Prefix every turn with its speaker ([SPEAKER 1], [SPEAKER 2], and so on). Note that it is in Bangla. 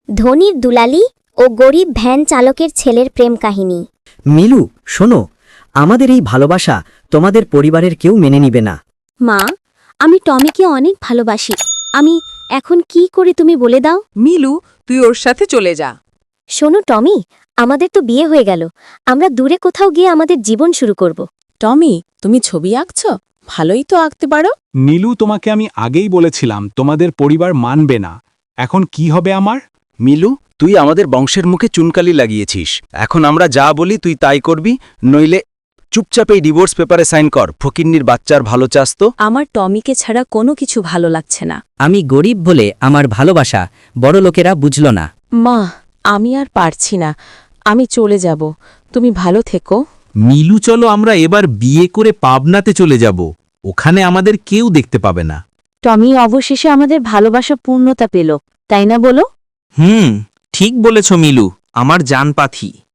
[SPEAKER 1] ধনীর দুলালি ও গরিব ভ্যান চালকের ছেলের প্রেম কাহিনী।
[SPEAKER 2] মিলু, শোনো, আমাদের এই ভালোবাসা তোমাদের পরিবারের কেউ মেনে নিবে না।
[SPEAKER 1] মা, আমি টমিকে অনেক ভালোবাসি। আমি এখন কি করে তুমি বলে দাও।
[SPEAKER 3] মিলু, তুই ওর সাথে চলে যা।
[SPEAKER 1] শোনো টমি, আমাদের তো বিয়ে হয়ে গেল। আমরা দূরে কোথাও গিয়ে আমাদের জীবন শুরু করব।
[SPEAKER 3] টমি, তুমি ছবি আঁকছ? ভালোই তো আঁকতে পারো।
[SPEAKER 4] নীলু, তোমাকে আমি আগেই বলেছিলাম তোমাদের পরিবার মানবে না। এখন কি হবে আমার?
[SPEAKER 5] মিলু, তুই আমাদের বংশের মুখে চুনকালি লাগিয়েছিস। এখন আমরা যা বলি তুই তাই করবি, নইলে চুপচাপ এই ডিভোর্স পেপারে সাইন কর। ফকিন্নির বাচ্চার ভালো চাস তো?
[SPEAKER 3] আমার টমিকে ছাড়া কোনো কিছু ভালো লাগছে না।
[SPEAKER 2] আমি গরিব বলে আমার ভালোবাসা বড় লোকেরা বুঝল না।
[SPEAKER 3] মা, আমি আর পারছি না। আমি চলে যাব। তুমি ভালো থেকো।
[SPEAKER 6] মিলু, চলো আমরা এবার বিয়ে করে পাবনাতে চলে যাব। ওখানে আমাদের কেউ দেখতে পাবে না।
[SPEAKER 3] টমি, অবশেষে আমাদের ভালোবাসা পূর্ণতা পেল, তাই না বলো?
[SPEAKER 6] ঠিক বলেছ মিলু, আমার জান পাখি।